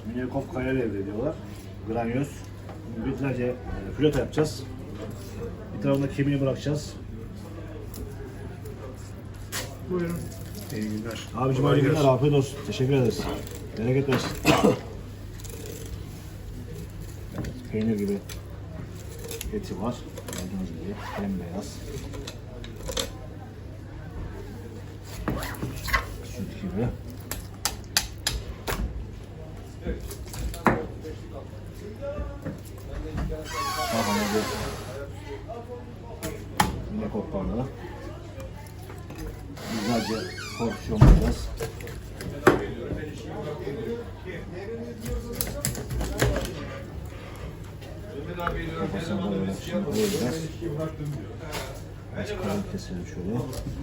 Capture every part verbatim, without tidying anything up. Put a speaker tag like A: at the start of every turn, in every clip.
A: Minikop kaya levre diyorlar. Granyoz. Bütünlerce e, flöte yapacağız. Bir tarafında kemiği bırakacağız.
B: Buyurun. İyi günler.
A: Abicim hayırlı günler, afiyet olsun. Teşekkür ederiz. Bereket versin. Evet, peynir gibi eti var. Gördüğünüz gibi bembeyaz. Süt gibi. Sahane bir yine koplarla güzelce porsiyonlayacağız. Kafasını da böyle şimdi koyacağız. Biraz kalın keselim şöyle.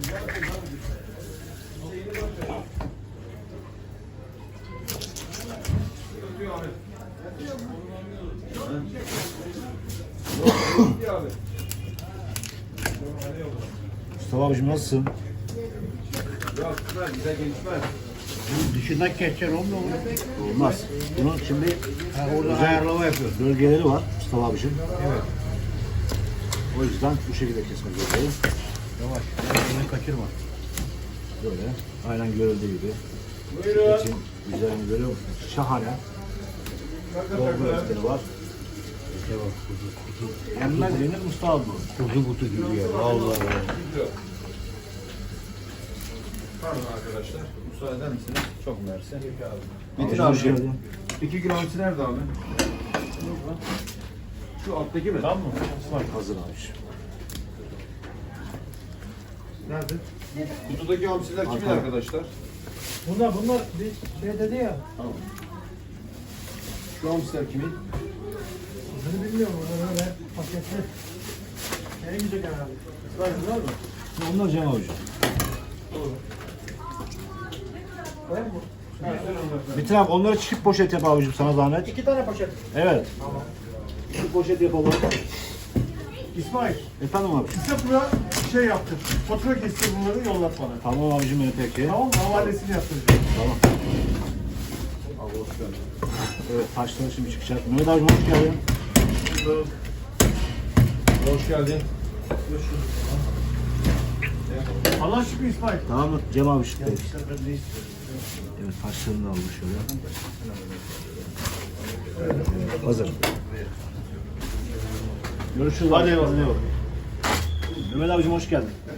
A: Mustafa abicim nasılsın?
C: Yok, güzel, güzel gelişmez.
B: Dışından geçeceksin onu da olur.
A: Olmaz. Bunun şimdi
B: Ha, orada
A: özel
B: ayarlama yapıyoruz.
A: bölgeleri var Mustafa abicim.
B: Evet.
A: O yüzden bu şekilde kesmek zorundayım.
B: Yavaş. Elini kaçırma.
A: Böyle. Aynen görüldüğü gibi.
C: Buyurun.
A: Etin güzelliğini görüyor musunuz? Şahane. Dolgu etleri var.
B: Yavaş kuzu kuzu.
A: Yenmez yenir Mustafa abi bu.
B: Kuzu kutu gibi ya. Vallahi.
C: Pardon arkadaşlar, müsaade eder misiniz? Çok mersi.
A: Metin
C: Metin
A: abi,
C: abi,
A: geldin.
C: iki kilo hamsi nerede abi? Şu alttaki mi? Tamam mı?
A: Hazır abiciğim.
B: Nerede?
C: Kutudaki hamsiler kimin
A: Arkada.
C: arkadaşlar?
B: Bunlar bunlar bir şey dedi ya.
C: Tamam. Şu hamsiler kimin?
B: Bunu bilmiyorum. Onu ben paketli. En güzel herhalde.
C: Var mı?
A: Onlar Cem abiciğim.
B: Var mı?
A: Metin abi onları çift poşet yap abiciğim sana zahmet.
B: İki tane poşet.
A: Evet.
B: Tamam.
A: Çift poşet yapalım.
B: İsmail,
A: Efendim abi.
B: bize buna şey yaptır. Fatura kestir bunları yollat bana.
A: Tamam abicim benim peki.
B: Tamam mı? Havalesini yaptıracağım.
A: Tamam.
C: Abi hoş geldin.
A: Evet taşları şimdi çıkacak. Mehmet abicim hoş geldin.
C: Hoş geldin.
B: Allah şükür İsmail.
A: Tamam mı Cem abi şimdi?
B: İşte ben de istiyorum.
A: Evet taşlarını da aldım şöyle. Evet, hazır. Görüşürüz. Hadi eyvallah. Mehmet abicim hoş geldin.